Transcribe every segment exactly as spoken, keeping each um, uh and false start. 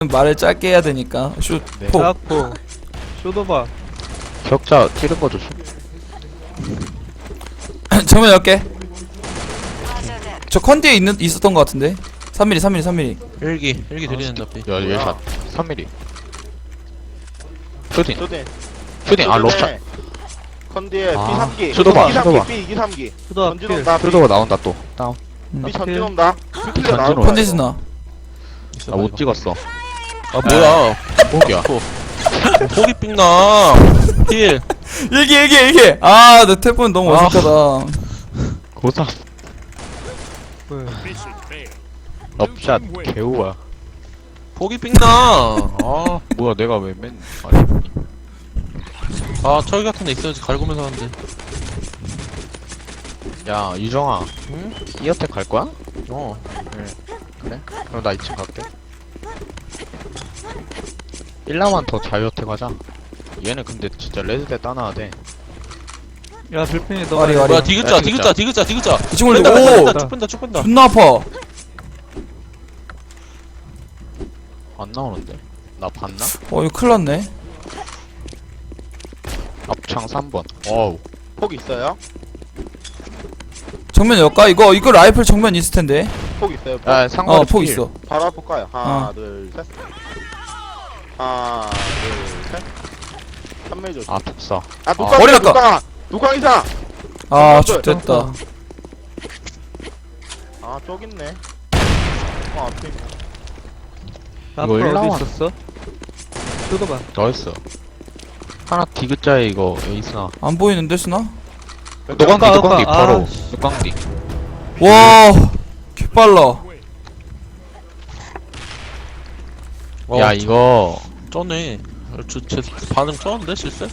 말을 짧게 해야 되니까. 슛, 네. 폭. 자꾸 쇼도바 격자 찌른 거 조심. 정면 열 개. 저 컨디에 있는 있었던 것 같은데. 삼 밀리미터, 삼 밀리미터, 삼 밀리미터. 일기 일기 들이는다 삐. 야 예샷 삼 밀리미터. 슈팅 쇼딘 슈팅 아 럽샷. 컨디에 아, B 삼 기 쇼도바, B 삼 쇼도바. 기 B 이기 삼 기 쇼도바 전진 필 온다 B 슈도가 나온다 또 다운. B 전진 온다 B 클리어 전진 나올 온다. 거야 컨디스나. 나 못 찍었어. 아 뭐야? 목이야. 폭이 삥나. 힐. 일기, 일기, 일기. 아, 내 태풍 너무 아. 어색하다. 고사 왜 럽샷 개우야. 폭이 삥나. 아, 뭐야 내가 왜 맨? 아니 아 철 같은 데 있어야지 갈구면서 하는데. 야 유정아. 응? 이어택 갈 거야? 어. 그래? 그럼 나 이 층 갈게. 일 라만 더 자유어택 하자. 얘는 근데 진짜 레드대 따놔야 돼. 야 불펜이 너 와리, 와리. 뭐야 디귿자 야, 디귿자 디귿자 디귿자. 이 친구들, 뺀다 뺀다 오! 뺀다 쭉 뺀다 쭉 뺀다. 존나 아파. 안 나오는데. 나 봤나? 어, 이거 큰일 났네. 앞창 삼 번. 어우. 폭 있어요? 정면 열까? 이거, 이거 라이플 정면 있을 텐데. 폭 있어요 폭 야 상거리 어, 폭 필. 있어. 바로 앞 볼까요? 하나 어. 둘셋 하나 둘셋 삼 밀 조심 아 독사. 아 누가 머리 누가 깎아. 누가 이상 아, 저, 좋됐다. 아 저기 있네 어 앞에 있네 앞으로 이거 어디 일라와. 있었어? 쇼도바 나이스. 하나 디귿자에 이거 에이스나. 안 보이는데, 스나? 노광디 아까, 노광디 아까, 바로. 아, 노광디. 와, 개빨라. 어, 야 이거. 쩌네. 저, 제 반응 쩌는데 실세?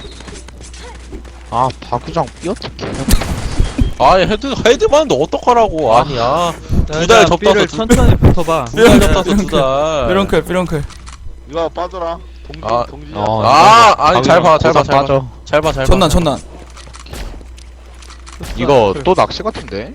아 바구장 삐어택 개. 아이 헤드 헤드 맞는데 어떡하라고. 아니야. 두 달 접다서 삐를 두- 천천히 붙어봐 두 달 접다서 두 달. 삐렁클, 삐렁클. 이거 빠져라 동지 아, 동지 어, 아, 아니 잘 봐, 잘 봐, 고사 잘 봐. 빠져. 잘 봐, 잘 봐. 전난, 전난. 이거 또 낚시 같은데?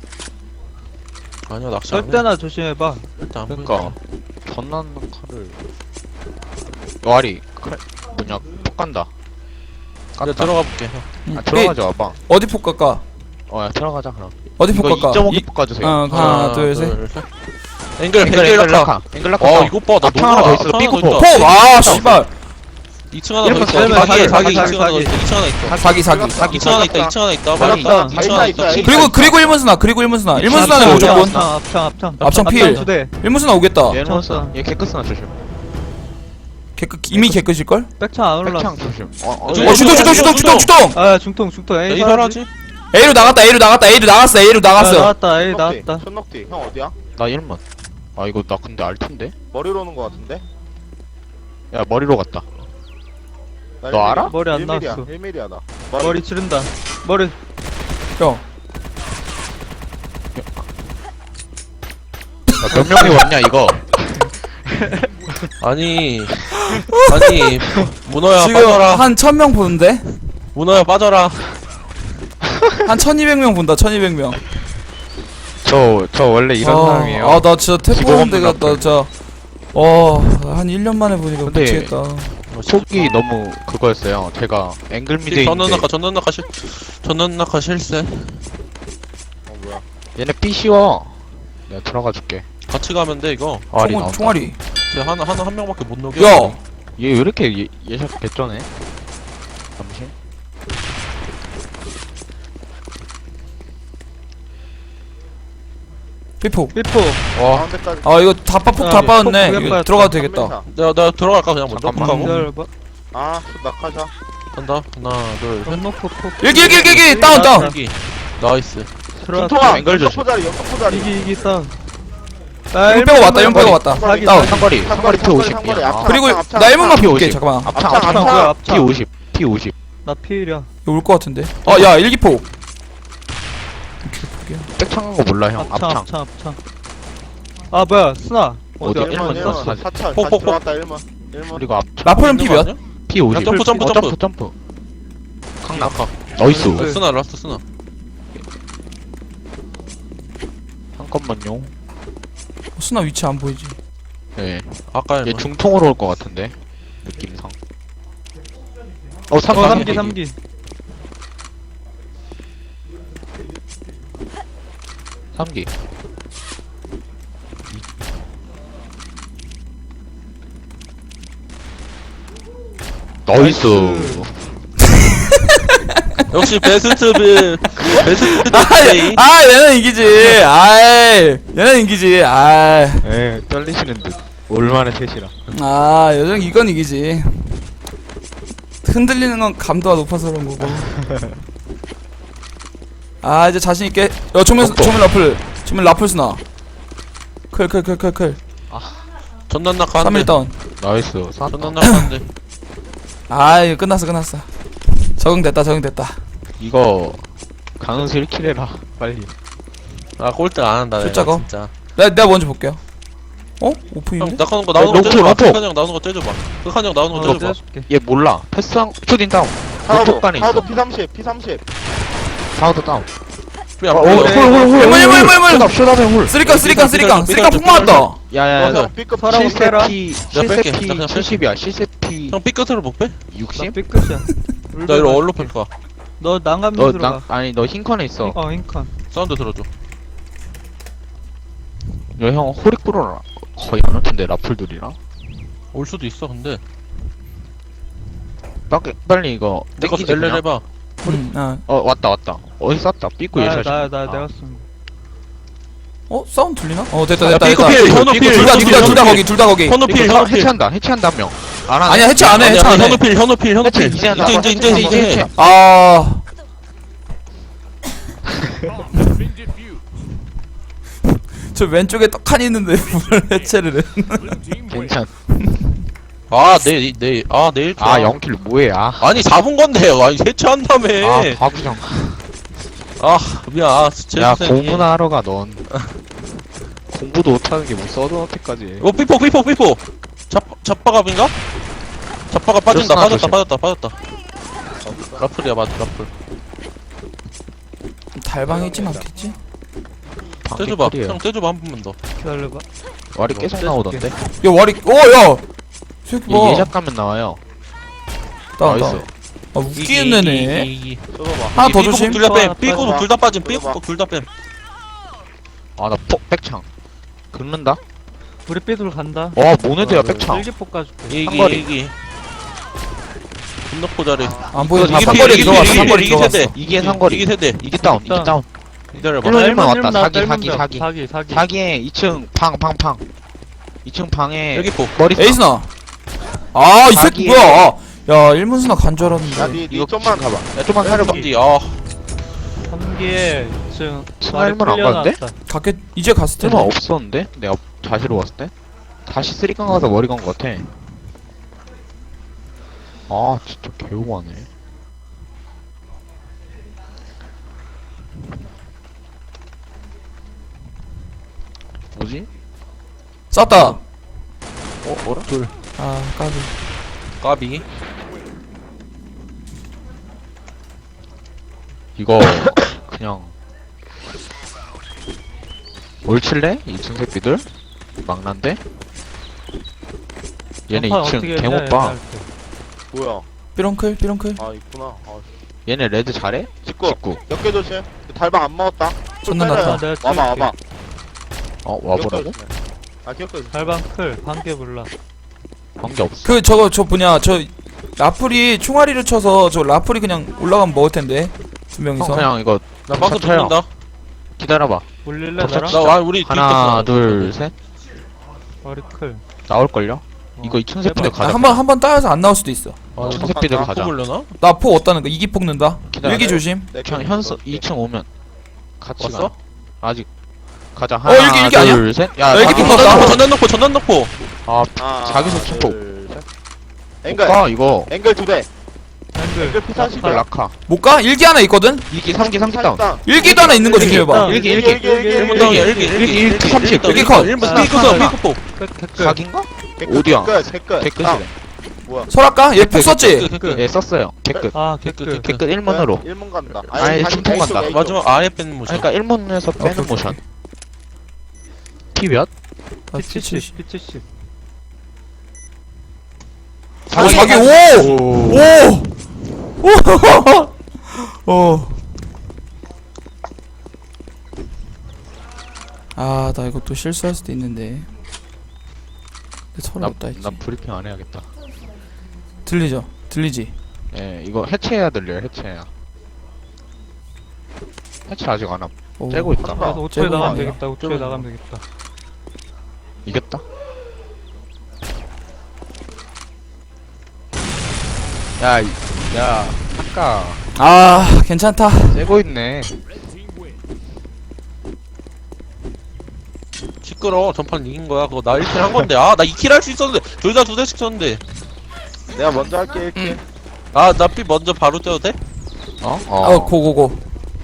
아니야 낚시 안 해. 절대나 조심해봐 일단 안 그러니까 보인다. 전난 칼을. 와리 칼 뭐냐 폭 간다. 이제 깠다. 들어가 볼게. 형. 아 들어가자 와봐. 어디 폭 갈까? 어야 들어가자 그럼. 어디 폭 이거 갈까? 이 점 오 개 이- 폭 가주세요. 어, 하나, 둘, 셋. 앵글 앵글 앵글 앵글 락카. 락카. 앵글 락카. 어 이거 봐. 나 앞창 너무 하나 더 많아. 있어. 앞창 삐꾸 하나 더 폭. 있다. 폭! 아, 씨발. 이 층 하나 더 일본 있어. 사기, 사기 사기, 사기 사기, 이 층 하나 더 사기. 있어. 이 층 하나 있어. 사기, 사기. 사기. 이 층 하나 있다. 이 층 하나 있다. 사기, 말했다. 사기, 이 층 하나 사기, 있다. 사기. 그리고, 그리고 일문스나, 그리고 일문스나. 일문스나는 앞창, 무조건. 앞창 앞창 앞창 앞창 필. 두대 일문스나 오겠다. 얘는 쳤어. 왔어. 얘 개크스나 조심. 개끝, 이미 개끝일걸? 백창 안 올랐어 백창 조심. 어, 어, 어, 어, 중- 주동, 주동, 주동, 주동, 주동! 아 중통 중통 야, 에이 이 설하지? A로 나갔다, A로 나갔다, A로 나갔어, A로 아, 나갔어. 나왔다 에이 손넉디 나왔다 손넉디 형 어디야? 나 일 번. 아 이거 나 근데 알텐데? 머리로 오는 거 같은데? 야 머리로 갔다. 나 너 알아? 머리 안 일 밀이야, 나왔어. 일 밀이야 나 머리 치른다 머리 형. 야, 몇 명이 왔냐 이거? 아니 아니 문어야 지금 빠져라. 한 천 명 보는데? 문어야 빠져라. 한 천이백 명 본다, 천이백 명. 저 저 원래 이런 아, 사람이에요. 아, 나 진짜 태포 기본 온 데가, 없는 나 진짜. 어, 한 일 년 만에 보니까 근데 미치겠다. 속이 너무 그거였어요. 제가 앵글 미드에 전원 있는데 낙하 전원 낙하 실 전원 낙하 실세. 어 뭐야 얘네 삐 씌워. 내가 들어가 줄게. 같이 가면 돼 이거. 아리 총, 나온다. 총알이. 쟤 하나 하나 한 명밖에 못 녹여. 야! 얘 왜 이렇게 예, 예샷 개쩌네? 잠시. 삐폭. 삐포 와 가운데까지 아, 이거 다 빠, 폭다 아, 빠졌네. 폭 이거 빠졌다. 들어가도 되겠다. 삼면사. 내가 내가 들어갈까 그냥 먼저. 잠깐만. 하고 기다려봐 아 낙하자 간다. 하나 둘 셋. 전노포 포 일기, 일기, 일기, 일기! 다운, 다운! 여기 나이스. 들어왔다 중통아 앵글 조심. 연속포 자리 연속포 자리 이기 이기 싸움 아, 일 빼고 왔다, 일 빼고 왔다. 상거리, 다운. 상거리 상거리, 상거리 피 상거리, 오십. 상거리, 야. 앞창. 그리고 앞창, 나 일문만 앞창. 볼게, 잠깐만. 앞창 앞창, 앞창 뭐야, 앞창 피 앞창 오십. 피 오십. 나 피일이야 이거 올 것 같은데. 아, 야, 일기폭. 백창 한거 몰라 형. 앞창 앞창. 앞창 앞창 아 뭐야 스나 어디야? 어디야 일문, 일문 일문. 일문 사찰 폭, 다시 폭, 폭. 들어왔다 일문 일문 그리고 앞창. 라포는 피 몇? 아니야? 피 오십. 점프, 점프, 어, 점프. 점프 점프. 강남. 낙하. 나이스. 네. 쓰나 라스트 쓰나. 잠깐만요. 스나 위치 안 보이지. 예. 아까 얘 중통으로 올 것 같은데 느낌상. 어 어 삼 삼기 삼기 삼기. 나이스. 역시 베스트 비 베스트 플레이. 아, 아 얘는 이기지. 아이 얘는 이기지. 아, 예, 떨리시는 듯. 얼마나 셋이라. 아 요즘 이건 이기지. 흔들리는 건 감도가 높아서 그런 거고. 아 이제 자신 있게. 야 조면 덕도. 조면 라플. 조면 라플 스나. 클 클 클 클클. 전난 삼 일 낙하한데. 다운. 나이스. 쌌다. 전난 낙하한데. 아 이거 끝났어 끝났어. 적응됐다 적응됐다. 이거 강은수 일 킬 해라 빨리. 아 꼴등 안 한다. 내가 숫자가? 진짜. 내가 내가 먼저 볼게요. 어? 형 오픈인데? 낙하는 거 나오는 거 롱포, 째줘봐. 롱포. 극한 형 나오는 거 째줘봐. 극한 형 나오는 거 어 째줘봐. 떼줄게 얘 몰라. 패스한 슈딘 다운. 하나도 왼쪽간에 있어. 하나도 피 삼십 피 삼십 사우드 다운. 그냥 어, 어, 홀, 그래. 홀, 홀, 홀, 일문, 일문, 홀. 일문, 일문. 슛업, 슛업에 홀. 쓰리깡 쓰리깡 쓰리깡 쓰리깡 폭 맞았다. 야야야. 형 B급 서라고 빼라. 실세피 내가 뺄게. 실세피 나 그냥 뺄게. 칠십이야. 실세피 형 삐끗으로 못 빼? 나 육십? 삐끗이야 나 이거 얼로 팰까? 너 난감 너 들어가 나, 아니 너 흰컨에 있어. 어 흰컨 사운드 들어줘. 너형 호리꾸로라 거의 안 올텐데 라플들이랑. 올 수도 있어 근데. 빨리 빨리 이거 내거 땡기지 엘엘 그냥. 해봐. 음, 아. 어 왔다 왔다. 어디 쐈다. 삐꾸 나야 예샷. 나야 나 내가 쏜 어? 사운드 들리나? 어 됐다 야 됐다 삐끗 됐다. 필, 현우 삐끗 필, 둘 다 현우 둘 필, 다 둘 다 현우 거기 둘 다 거기. 현우 필, 이거 현우 필. 해체한다. 해체한다 한 명. 안 하네. 아니야 해체 안 해. 아니야, 해체 안 해. 현우 필, 현우 필, 현우 해체 필. 이제 한다. 이제 이제 이제 이제 이제 해. 아. 저 왼쪽에 떡하니 있는데 뭘 해체를 해. 괜찮. 아, 내, 내, 아, 내일. 아 영킬 뭐해? 아. 아니, 잡은 건데. 아니, 해체한다며. 아 바구정. 아, 미안. 아, 제 야 선생님. 공부나 하러 가 넌. 공부도 못하는 게 뭐 서든어택까지. 어, 삐폭, 삐폭, 삐폭. 잡, 잡바갑인가? 잡바가 빠진다, 그렇구나, 빠졌다, 조심. 빠졌다, 빠졌다. 어, 라플이야, 맞아, 라플. 달방에 있진 않겠지? 떼줘봐. 형, 떼줘봐, 한 번만 더. 기다려봐 와리 계속 나오던데. 야 와리. 오 야. 새끼 얘 봐. 예작 가면 나와요. 다운 나이스. 다운. 아 웃기는 애네. 이, 써봐봐 하나 더 조심. 둘다 뺨. 아, 삐꾸도 빠져봐. 둘 다 빠짐. 빠져봐. 삐꾸 둘다 뺨. 아나 백창. 긁는다. 우리 삐돌 간다 와 모네드야 백창. 일기폭 가줄게 이기, 삼거리. 이기. 존나 포자리. 안 보여. 이게 삼거리 필, 들어갔어. 이게 삼거리 이기 들어갔어. 세대. 이게 상거리. 이기 세대. 이게 다운. 이게 다운. 다운. 기다려봐. 일로 아, 일만 왔다. 일문 사기 일문 사기 나, 사기. 사기 사기 사기에 이 층 방 방 방. 이 층 방에 여기 포. 머리 쏴. 에이스나. 아 이 새끼 자기의- 뭐야? 야 일문수나 간 줄 알았는데. 야니 이거 니 좀만 가봐. 야 좀만 사려봐. 삼지. 아, 삼기에 지금 스나 일문 안 갔는데? 갔겠 이제 갔을 텐데. 설마 없었는데? 내가 다시로 왔을 때? 다시 쓰리깡 가서 머리 간 것 같아. 아 진짜 개오하네. 뭐지? 쐈다. 어 뭐라? 둘. 아 까비. 까비. 이거 그냥 뭘 칠래? 이 층 새끼들? 막난데? 얘네 이 층 개못 봐. 뭐야 삐렁클 삐렁클. 아 있구나 아 얘네 레드 잘해? 직구 직구. 몇개 조심 달방 안 먹었다 존나 빼라요. 났다. 내가 와봐 와봐 어 와보라고? 아 기억해 달방 클 반개 몰라 관계 없어. 그 저거 저 뭐냐 저 라플이 총알이를 쳐서 저 라플이 그냥 올라가면 먹을 텐데 두 형 명이서. 그냥 이거 나 박스 쳐요. 붙는다. 기다려봐. 올릴래 덕샷 나랑? 나, 와, 우리 하나 뒤에 있었어. 둘 셋. 머리 클 나올걸요? 이거 이 층 새끼들 해봐. 가자. 한번 한 번 따여서 안 나올 수도 있어. 아, 이 층 새끼들 아, 가자. 뽑으려나? 나 포 없다는 거 이기 폭 는다. 기다려. 일기 조심. 그냥 현수 이 층 오면 같이 왔어? 가. 아직 가자. 어, 하나 일기, 일기 아니야? 둘 셋. 야, 아, 일기 자기 폭 폭 넣었다. 넣었다. 전단 넣고, 전단 넣고. 아, 아, 자기소 침폭. 둘, 셋. 앵글 가 이거. 앵글 두대 앵글 앵글 피 사십 이걸 라카. 못 가? 일기 하나 있거든. 이기 삼기 삼기 다운. 일기도 하나 있는 거 조심해봐. 일기 일기 일기. 일기 일본 일기 다운이야, 일기 일기, 일기, 일기, 일기 삼십. 일기 컷. 일본 하나, 삐끗어, 하나. 삐끗포. 끝 댓글 사기인가? 개끝, 어디야? 개끝 개끝 개끝이래. 뭐야 설할까? 얘 폭 썼지. 그, 예, 썼어요. 개끝. 아 댓글, 댓글 개끝 일 문으로. 일 문 간다 아니, 다시 중통 A쪽, 간다. A쪽. 마지막 아예 뺀 모션. 그러니까 일 문에서 빼는 오케이, 모션. 피 몇? 아, 피 칠십 피 칠십 아, 자기 오! 오. 오! 오! 어. 아, 나 이거 또 실수할 수도 있는데. 근데 서로 나, 없다 했지. 나 브리핑 안 해야겠다. 들리죠? 들리지? 예, 이거 해체해야 들려요, 해체해야. 해체 아직 안 함. 오. 째고 있다. 한다. 그래서 오 초에 쟤는 나가면 아니야. 되겠다. 오 초에 나가면 되겠다. 이겼다. 야, 이- 야, 아까 아, 괜찮다. 째고 있네. 시끄러. 전판 이긴 거야. 그거 나 일 킬 한 건데. 아, 나 이 킬 할 수 있었는데. 둘 다 두 대씩 쳤는데. 내가 먼저 할게 일 킬. 아, 나 삐 먼저 바로 쪄도 돼? 어? 어, 고고고.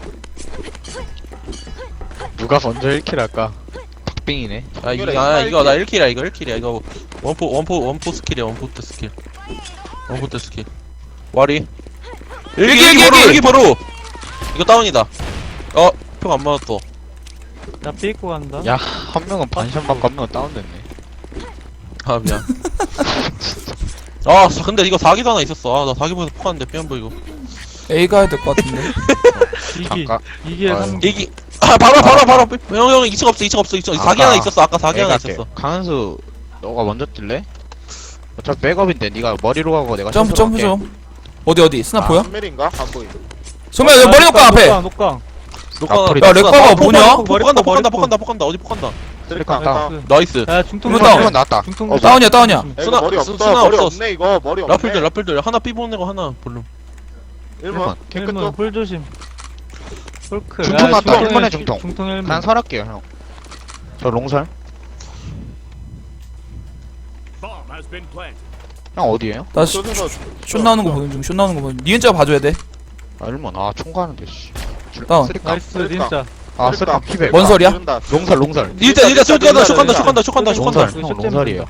누가 먼저 일 킬 할까? 박빙이네. 아, 이거, 그래, 아, 이거 이거 나 일 킬이야. 이거 일 킬이야. 이거 원포, 원포, 원포 스킬이야. 원포 때 스킬. 원포 때 스킬. 와리. 일기, 일기, 일기, 바로, 일기! 일기 바로! 이거 다운이다. 어, 표 안 맞았어. 나 삐고 간다. 야, 한 명은 반샷 맞고 한 명은 다운됐네. 아, 미안. 아, 근데 이거 사기도 하나 있었어. 아, 나 사기보에서 폭하는데 삐 안 보이고. A 가야 될 것 같은데. 이기 잠깐. 이기에 아유. 삼. 일기. 아, 바로, 바로, 바로. 형, 형, 이 층 없어, 이 층 없어, 이 층. 사기 아까 하나 있었어. 아까 사기 하나 갈게. 있었어. 강한수, 너가 먼저 뛸래? 어차피 백업인데 네가 머리로 가고 내가 점프, 슛으로 점프 갈게. 좀. 어디, 어디? 스나 보여? 한 밀인가? 안 보임. 정말 내 머리 놓고 앞에! 녹강 녹강. 녹화, 야, 렉바가 뭐냐? 폭한다, 폭한다, 폭한다, 폭한다. 어디 폭한다. 쓰리카. 다운. 나이스. 야 중통 이거 조심. 다운. 한 나왔다. 중통 어, 조심. 다운이야, 다운이야. 야, 이거 수나- 머리 수- 없어. 수나 머리 없어. 없네 이거. 머리 없네. 라플들, 라플들. 하나 삐 보내고 하나 볼륨. 일 번. 일문 깨끗 홀 조심. 홀크. 중통 야, 났다. 중통에 일문에 중통. 중통 일문. 그냥 설할게요, 형. 저 롱설. 형 어디에요? 나 슛, 쏘면서 슛 나오는 거 보는 중, 슛 나오는 거 보는 중. 니은자가 봐줘야 돼. 아, 일문. 아, 총 가는데, 씨. 다운. 쓰리카. 나이스 그러니까. 진짜. 아, 쓰리카 피백. 뭔 소리야? 지른다. 롱설, 롱설. 일자, 일자, 슛 간다, 슛 간다, 슛 일자. 간다, 슛 간다, 슛 간다. 롱설. 슛 형, 슛 롱설이에요.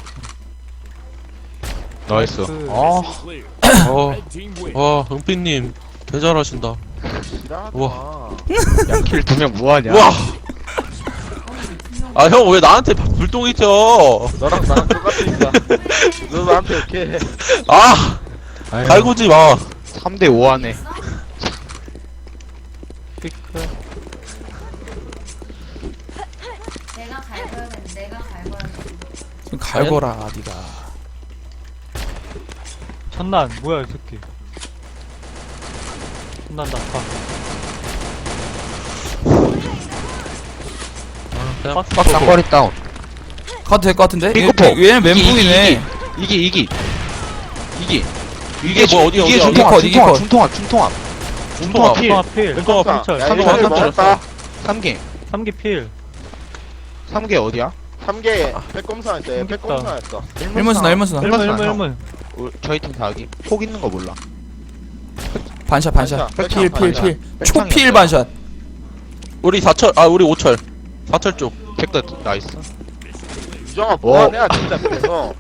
나이스. 나이스. 아, 어, 와, 은빛님. 개 잘하신다. 지랄하지 우와. 마. 야, 킬 두 명 뭐하냐? 와. 아, 형, 왜 나한테 불똥이 튀어? 너랑 나랑 똑같으니까. 너 나한테 이렇게 해. 아, 아유, 갈구지 마. 삼 대 오 하네. 피크. 내가 갈거야겠네. 내가 갈거야겠네. 좀 갈거라, 니가. 천난 뭐야 이 새끼. 천난 나빠. 그냥 박스 박스 보고. 쌍거리 다운. 가도 될 것 같은데? 삐꾸포. 얘- 얘는 멘붕이네. 이기, 이기. 이기. 이게 뭐 어디야, 이게 어디야, 중통합, 어디야? 중통합, 이기 중통합, 중통합. 중통합 필. 중통 필. 왼쪽 중통 앞. 필. 야, 삼 일 번, 킬 삼 번. 먹었다. 삼 개. 삼 기 필. 삼 개 어디야? 삼 개 백검사 했어. 얘 백검사 했어. 일문 스나, 일문 스나. 일문 일문 일문 형. 일문. 우- 저희 팀 사기. 폭 있는 거 몰라. 반샷, 반샷. 반샷, 필, 필, 반샷. 필. 백창이었어. 초필 반샷. 우리 사철, 아, 우리 오철. 사철 쪽. 잭도 나이스. 유정아 뭐하냐 진짜 그래서.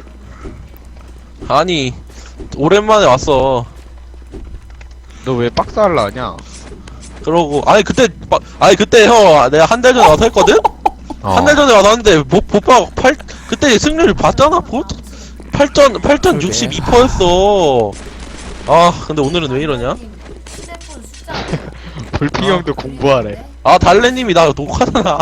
아니, 오랜만에 왔어. 너 왜 박스 할라 하냐? 그러고, 아니, 그때, 막- 아니, 그때 형, 내가 한 달 전에 와서 했거든? 어. 한 달 전에 와서 했는데, 보, 보빠, 팔, 그때 승률 봤잖아, 보? 팔 점, 팔 점 그러게. 육십이 퍼센트였어. 아, 근데 오늘은 왜 이러냐? 휴대폰 숫자. 불피 형도 공부하래. 아, 달래님이 나 녹화잖아.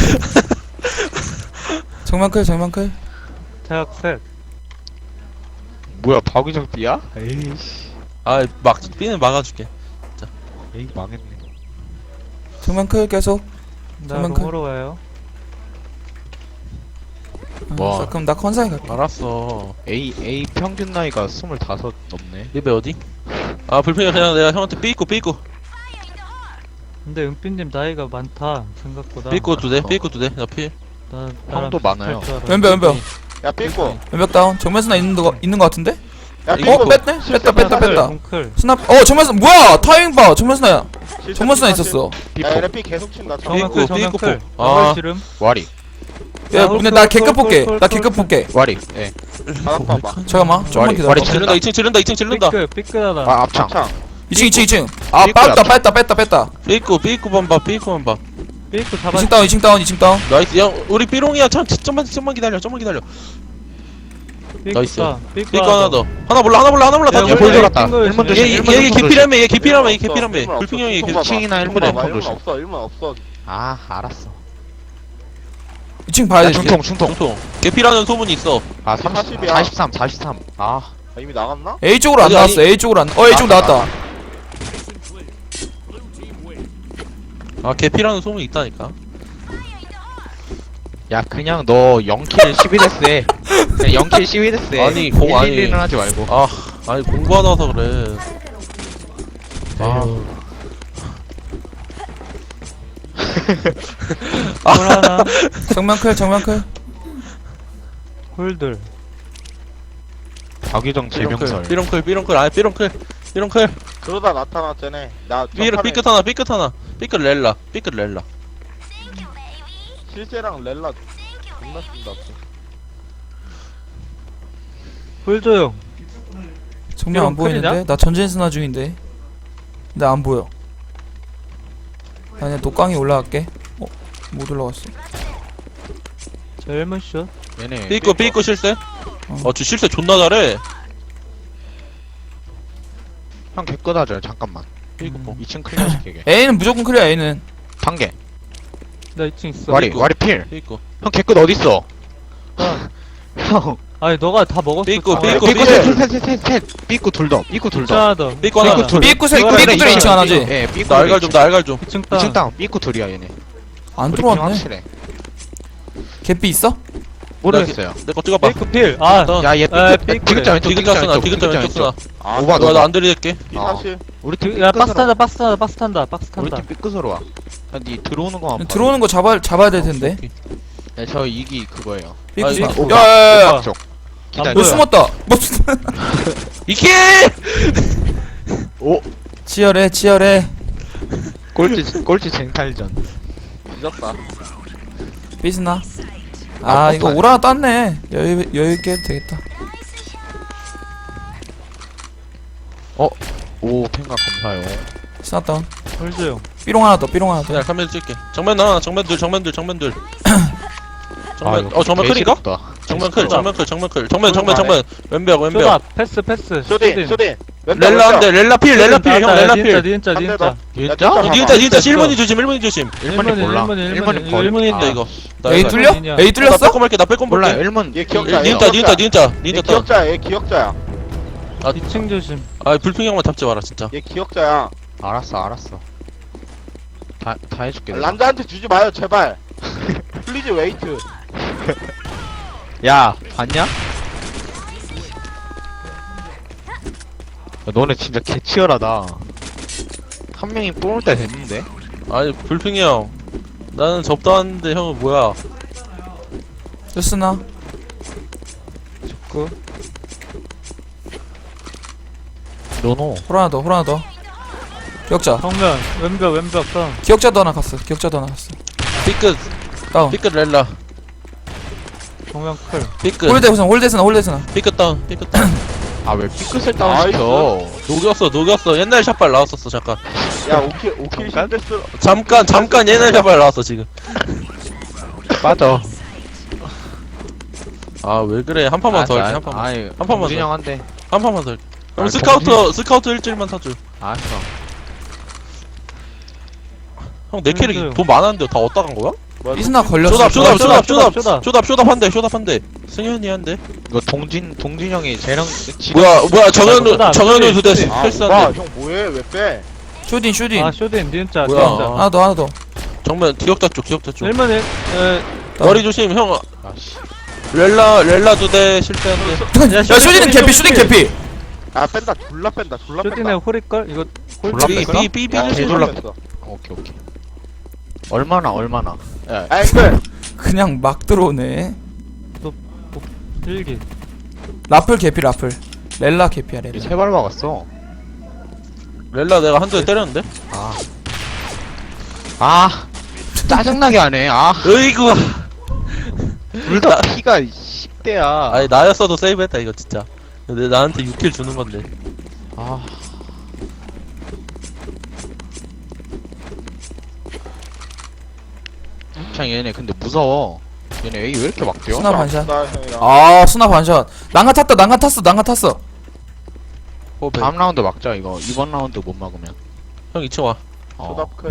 정면 클, 정면 클. 대학 셋. 뭐야, 박유정 띠야? 에이씨. 아, 막, 삐는 막아줄게. 에이, 망했네. 정면 클 계속. 나 정면 클. 롱으로 와요. 와. 아, 그럼 나 컨사이 갈게. 알았어. A, A 평균 나이가 스물다섯 넘네. 리베 어디? 아, 불평이 그냥 내가 형한테 삐있고, 삐있고. 근데 은빛님 나이가 많다 생각보다. 삐있고 두 대, 삐있고 두 대. 나 피. 나 나랑 형도 많아요. 비슷할 줄 알았는데. 왼벽, 왼벽. 야 삐고. 왼벽 다운. 정면 스나 있는 거, 있는 거 같은데? 야 이거 어, 삐고. 뺐네? 뺐다, 뺐다, 클, 뺐다. 롱클. 스나, 어, 정면 스나, 뭐야! 타이밍 봐! 정면 스나야. 실수 정면 스나 실수. 있었어. 비포. 야 얘네 삐 계속 친다. 삐- 정면 삐꾸, 클 정면 삐꾸 클. 삐꾸. 아. 정말 지름. 와리. 야, 야, 근데 홀, 나 홀, 개급 홀, 볼게. 홀, 나 홀, 개급 홀. 볼게. 와리. 예. 바닥 봐봐. 잠깐만, 좀만 와리, 기다려. 와리 지른다, 이 층 지른다, 이 층 지른다. 삐끗 삐끗하다. 아, 앞창. 창. 이 층, 이 층, 이 층. 아, 삐꾸야, 뺐다, 삐꾸. 뺐다, 뺐다, 뺐다. 삐있고, 삐있고만 봐, 삐있고만 봐. 삐끗 잡아. 이 층 다운, 이 층 다운, 이 층 다운. 나이스. 야, 우리 삐롱이야. 참, 좀만, 좀만 기다려, 좀만 기다려. 나이스. 삐까 삐거 하나 더. 하나 몰라 하나 몰라 하나 몰라 다 야, 얘 줘. 볼 원래 돌았다. 핑거였으면 일문 얘 조심. 얘 일문 얘 조심. 개피라며 얘 개피라며 얘 없어, 개피라며 일문 없어, 불핑 형이 일문 개- 없어. 칭이나 일문 일문에 봐봐, 폰 일문 조심. 없어 일문 없어. 아 알았어. 이 층 봐야 야 돼. 중통 중통. 통통 개피라는 소문이 있어. 아 삼십, 사십이야. 사십삼 사십삼. 아 아, 이미 나갔나? A 쪽으로 안 아니, 나왔어. 아니. A 쪽으로 안. 어 A 쪽 나왔다, 나왔다. 아 개피라는 소문이 있다니까. 야 그냥 너 영 킬 십이 데스 해. 그냥 영 킬 십이 데스 해. 아니, 공 아니. 일, 일, 일은 하지 말고. 아 아니 공부하다 와서 그래. 아 홀 하나 정면 클 정면 클. 홀들 박유정 재명설. 삐렁클 삐렁클 아 삐렁클 삐렁클 그러다 나타났잖아. 나 삐르 전판에 삐끗 하나 삐끗 하나 삐끗 렐라 삐끗 렐라. 실제랑 렐라 존나 쓴다. 홀 조용 정면 안 이런 보이는데? 클이냐? 나 전진 스나 중인데. 근데 안 보여. 나 그냥 독강이 올라갈게. 어? 못 올라갔어. 자 일문 슛 얘네 삐끗 삐끗 실세. 어. 어저 실세 존나 잘해. 형 개끄다져 잠깐만. 삐끗 뭐. 이 층 클리어 시키게. A는 무조건 클리어 A는. 단계. 나 이 층 있어 와리 삐꾸. 와리 필. 삐끗 형 개끄 어딨어? 아, 형. 아니 너가 다 먹었어 삐꾸, 아, 삐꾸, 삐꾸 삐꾸. 셋셋셋셋 삐꾸 둘 더. 삐꾸 둘 더. 하나 더 삐꾸 하나. 삐꾸 둘. 삐꾸서 있고 이거는 삐꾸들이 이거는 이 층 하나지? 예, 삐꾸. 나 알갈 좀나 알갈 좀. 이 층 이 땅 층 땅 삐꾸 둘이야 얘네. 안 우리 팀 들어왔네. 확실해. 개피 있어? 모르겠어요. 내 거 찍어봐. 삐크 필아 어. 야, 얘 아, 삐끗. 삐끗. 디귿자 왼쪽. 디귿자 쓰나 왼쪽, 디귿자 왼쪽 쓰나. 아, 오바, 나 오바. 안 들이댈게. 이 어. 사실 우리 팀 야 삐끗으로 박스 와. 탄다 박스 탄다 박스 탄다 박스 우리 탄다 팀 삐끗으로 와. 야, 니 들어오는 거만 봐. 들어오는 거 잡아 잡아야 될 텐데. 야, 저 이기 그거예요. 삐꾸 아, 스나. 이거 야야야야. 오바 쪽. 기다려. 안 너 보여. 숨었다. 뭐 이게 오. 치열해 치열해. 꼴찌 꼴찌 쟁탈전. 늦었다. 삐스나. 아, 아 이거 뽀뽀해. 오라 땄네. 여유 여유 있게 해도 되겠다. 오, 팬가 감사요. 스나 다운. 홀 조용 삐롱 하나 더 삐롱 하나 더. 그냥 카메라 찍게. 정면 나와 정면 둘 정면 둘 정면 둘. 정면 이거 어 정면 클인가? 개시럽다. 정면 클 정면 클 정면 클 정면 정면 정면 왼벽 왼벽. 쇼다 패스 패스 쇼딘 쇼딘. 왼쪽, 렐라 왼쪽. 한대 렐라 필 렐라 필 형 렐라 니은자 필. 니은자 한 대 니은자 더. 진짜? 야, 니은자 니은자 됐어. 일 번이 조심 일 번이 조심. 일본이 몰라. 일본이, 일본이, 일본이 일본이. 거의- 일 번인데 아, 이거. 나 A 이거- 뚫려? 아니야. A 나 뚫렸어? 빼꼼 할게 나 빼꼼 몰라. 볼게. 일본 얘 기억자. 얘 니은자 니은자 니은자 얘 니은자 따. 기억자야. 얘 기억자야. 이 층 조심 아 불핑 형만 잡지 마라 진짜. 얘 기억자야. 알았어, 알았어. 다, 다 해줄게. 내가. 란자한테 주지 마요 제발. 플리즈 웨이트. 야, 봤냐? 야, 너네 진짜 개치열하다. 한 명이 뽑을 때 됐는데? 아니 불핑이 형. 나는 접다 왔는데 형은 뭐야? 스나. 그 노노. 홀 하나 더 홀 하나 더. 기억자. 정면 왼벽 왼벽 땅 기억자도 하나 갔어. 기억자도 하나 갔어. 삐끗 다운. 삐끗 렐라 정면 클 삐끗 홀대 우선 홀대 스나 홀대 스나. 삐끗 다운 삐끗 다운. 아, 왜 삐끗을 다운시켜? 녹였어 녹였어 옛날 샷발 나왔었어 잠깐. 야 오킬 오킬 잠깐? 실패스. 잠깐 잠깐 옛날 샷발 나왔어 지금. 빠져. 아 왜 그래 한 판만 더 할게 한 판만 아니, 한 판만 더. 진영 한대. 한 판만 더 할게. 그럼 아, 스카우터 스카우터 일주일만 사줘. 알았어. 형 내 캐릭 그래요. 돈 많았는데 다 어디다 간 거야? 삐스나 걸렸어. 쇼답 쇼답 쇼답 쇼답, 쇼답 쇼답. 쇼답 쇼답 한대 쇼답 한대. 승현이 한대. 이거 동진, 동진형이 쟤랑 지- 뭐야 뭐야 정현우 쇼답, 정현우 쇼답. 두대 아, 패스한대. 형 뭐해? 왜 빼? 쇼딘 쇼딘. 아 쇼딘 니은자 뭐야. 니은자 하나 더 하나 더. 정면 기억자 쪽 기억자 쪽. 일문 일 에, 머리 조심 형. 아씨. 렐라 렐라 두대 실패한대. 야 쇼딘은 개피 쇼딘 개피. 아 뺀다. 졸라 뺀다. 졸라 뺀다. 쇼딘의 홀일걸? 이거 홀 졸라 뺄까? 뺄까? 삐삐삐 야, 개 졸라 졸라 뺐어. 오케이, 오케이. 얼마나, 얼마나. 야, 아 앵글. 그냥 막 들어오네. 일기 라플 개피 라플. 렐라 개피야 렐라. 세발 막았어. 렐라 내가 한 대 때렸는데. 아. 아. 짜증나게 하네. 아. 으이구. 둘 다 피가 십 대야. 아니 나였어도 세이브했다 이거 진짜. 근데 나한테 육 킬 주는 건데. 아. 참 얘네 근데 무서워. 얘네 A 왜 이렇게 막 뛰어? 스나 반샷. 나 형이랑. 아 스나 반샷. 난가 탔다 난가 탔어 난가 탔어. 호흡해. 다음 라운드 막자 이거. 이번 라운드 못 막으면. 형 이 층 와. 어. 초답클.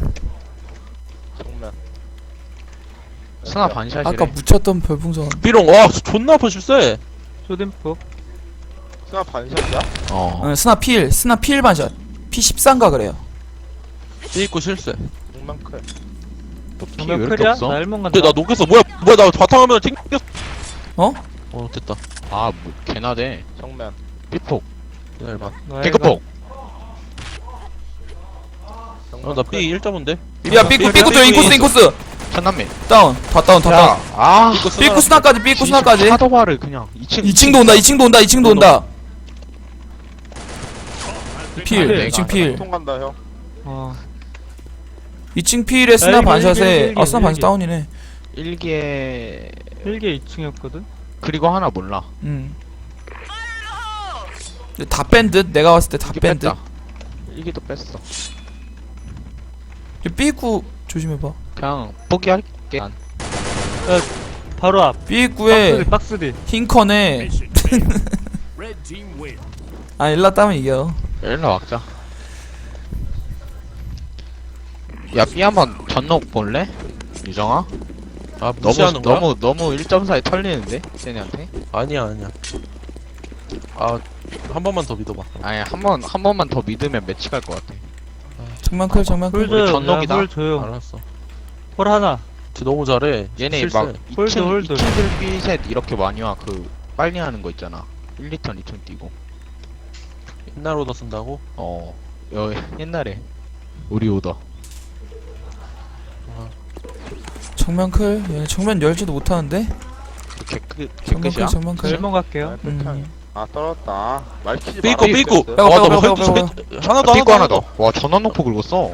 정면. 스나 반샷이래. 아까 묻혔던 별풍선. 삐롱 와 존나 아파 실세. 쇼딘폭. 스나 반샷이야? 어. 응, 스나 필 스나 필 반샷. 피 십삼가 그래요. 삐있고 실세. 정면 클. 너피 왜 정면 이렇게 클이야? 없어? 나 일문 간다. 근데 나 녹였어. 뭐야 뭐야 나 바탕화면을 튕겼어. 어? 어 됐다. 아, 뭐 개나대. 정면. 삐폭. 기다려봐. 나 핑크폭. 정면 어나 클. 삐 일 점인데. 야 삐꾸 삐꾸 줘 인코스 인코스. 천남민. 다운 다 다운 다 다운. 아. 삐꾸 스나까지 삐꾸 스나까지. 하더바를 그냥 이 층. 이 층도 온다 이 층도 온다 이 층도 온다. 필 내가 이 층 필. 통 간다 형. 어. 이 층 필에 스나 일기, 반샷에 일기, 일기, 아 스나 반샷 일기. 다운이네. 일기에 일개 이 층이었거든. 그리고 하나 몰라. 음. 근데 다 뺀 듯? 내가 봤을 때 다 일기 뺀 듯. 뺐다. 일기도 뺐어. 삐꾸 조심해봐. 그냥 포기할게. 난. 바로 앞. 삐꾸에 박스디 박스디. 흰컨에 아 일라 따면 이겨. 일로 막자. 야, B 한번 전녹 볼래? 유정아? 아 너무 무시하는 거야? 너무 너무 일 점 사에 털리는데? 쟤네한테? 아니야 아니야. 아 한 번만 더 믿어봐. 아니, 한 번 한 번만 더 믿으면 매치 갈 것 같아. 정면클 정면클. 홀 조용. 전녹이다. 야, 홀 조용. 알았어. 홀 하나. 쟤 너무 잘해. 얘네 실세. 막 홀드, 이 층 홀드. 이 층들 B 셋 이렇게 많이 와. 그 빨리 하는 거 있잖아. 일, 이 턴, 이 턴 뛰고. 옛날 오더 쓴다고? 어. 여, 옛날에 우리 오더. 정면클. 얘네 정면 열지도 못하는데. 이렇게 끝 정면클 끝이야? 정면클. 일문 갈게요. 음. 아 떨어졌다. 말 키지 삐꾸 말아. 삐꾸. 빼고, 아나 빼고, 뭐 빼고, 헤드 빼고. 헤드- 하나 더 삐꾸 하나 하나 더. 더. 와, 전원 놓고 긁었어.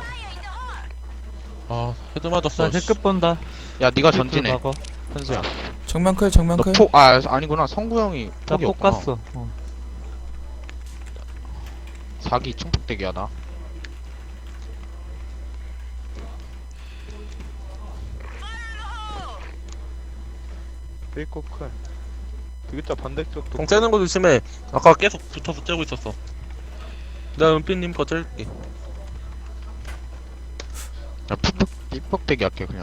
아 헤드 맞았어. 나 힐급 본다. 야, 네가 힐급 전진해. 막어. 현수야. 정면클 정면클. 너 폭, 아, 아니구나. 성구 형이 나 폭이 폭 없구나. 갔어. 어. 사기 충폭대기 하나. 삐꾸 클. 디귿자 반대쪽도. 공 째는 거 조심해. 아까 계속 붙어서 째고 있었어. 내가 은빛님 거 짤게. 야, 푹푹, 삐폭대기 할게, 그냥.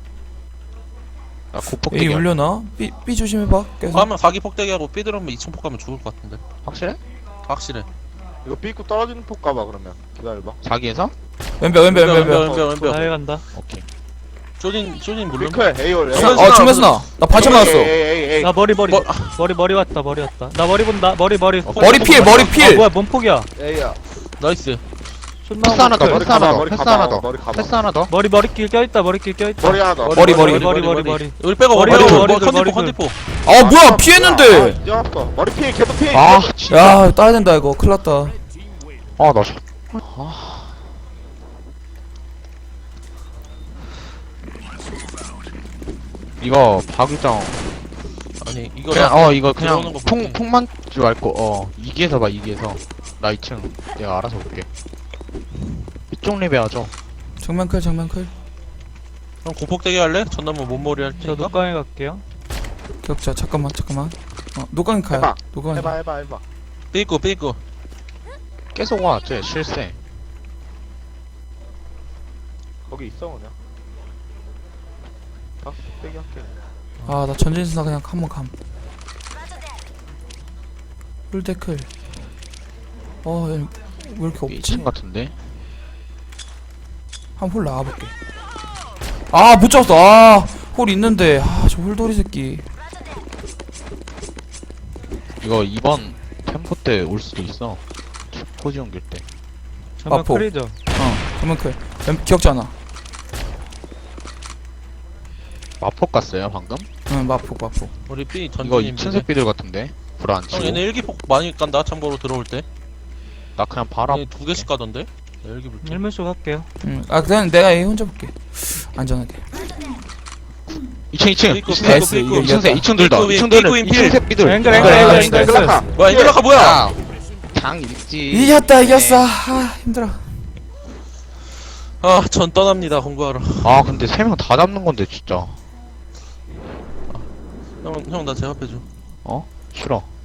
야, A 고폭대기 할게. 올려놔. B B 조심해봐. 계속. 가면 사기 폭대기하고 삐들으면 이층 폭 가면 죽을 것 같은데. 확실해? 확실해. 이거 삐꾸 떨어지는 폭 가봐 그러면. 기다려봐. 사기에서? 왼벽 왼벽 왼벽. 왼벽 왼벽 왼벽. 나일 간다. 오케이. 쪼딘 쪼딘 물론. 삐클 A올. 정면 어 정면 스나. 나 반샷 맞았어. 에이 에이 에이. 나 머리 머리. 뭐- 머리 머리 왔다 머리 왔다. 나 머리 본다. 머리 머리. 머리 필 머리 아 필. 뭐야 뭔 폭이야? A야. 나이스. 존나 패스 하나 더, 머리 패스 하나 가봐, 더, 머리 패스 가봐, 하나 더. 머리 가봐. 패스 하나 더. 머리 머리길 껴있다 머리길 껴있다. 머리 하나 더. 머리, 머리. 머리 머리 머리. 우리 빼고 머리, 머리 머리, 머리 머리, 컨디포 머리, 컨디포. 아 뭐야 아, 피했는데. 아, 뛰어왔어. 머리 피해 계속 피해. 아, 진짜. 야 따야 된다 이거. 큰일났다. 아, 나 저. 아. 이거 박유정 아니 이거 그냥 어 이거 그냥 들어오는 거 폭 볼게. 폭만 줄 알고 어 이기에서 봐 이기에서 나 이 층 내가 알아서 볼게. 이쪽 리베 하죠. 정면클 정면클. 형 고폭대기 할래? 전남은 몸머리 할 저 테니까. 녹광에 갈게요. 격자 잠깐만 잠깐만. 어 노광이 가요. 해봐. 노광이. 해봐 해봐 해봐. 삐고 삐고. 계속 와, 쟤 실세. 거기 있어 그냥. 아, 빼기 할게. 아나 전진 스나 그냥 한번 감. 풀데클. 어, 얘 왜 이렇게 이 없지? 층 같은데. 한 홀 나와볼게. 아, 못 잡았어. 아, 홀 있는데. 아, 저 홀돌이 새끼. 이거 이번 템포 때 올 수도 있어. 포지 옮길 때. 전면 마포. 클이죠. 어, 정면클. 왼- 기억잖아. 마폭 갔어요 방금? 응, 마폭, 마폭. 우리 삐 이거 전진님. 이 층 새끼들 같은데. 불안 형 치고. 얘네 일기폭 많이 간다. 참고로 들어올 때. 나 그냥 바로 얘네 두 개씩 가던데. 나 일기 볼게. 일문쇼 갈게요. 응, 아, 그냥 내가 A 혼자 볼게. 안전하게. 이 층 이 층. 삐꾸, 이 층 삐꾸, S, 삐꾸. 이거 이 층 세, 이 층 둘 더. 삐꾸, 이 층 삐꾸, 둘은 삐꾸, 이 층 세 삐들. 앵글, 앵글, 앵글, 앵글, 앵글, 앵글. 앵글라카. 뭐야 인글라카 뭐야? 야, 장 읽지. 이겼다, 이겼어. 아, 힘들어. 아 전 떠납니다 공부하러. 아 근데 세 명 다 잡는 건데 진짜. 형 형 나 제압해줘. 어? 싫어.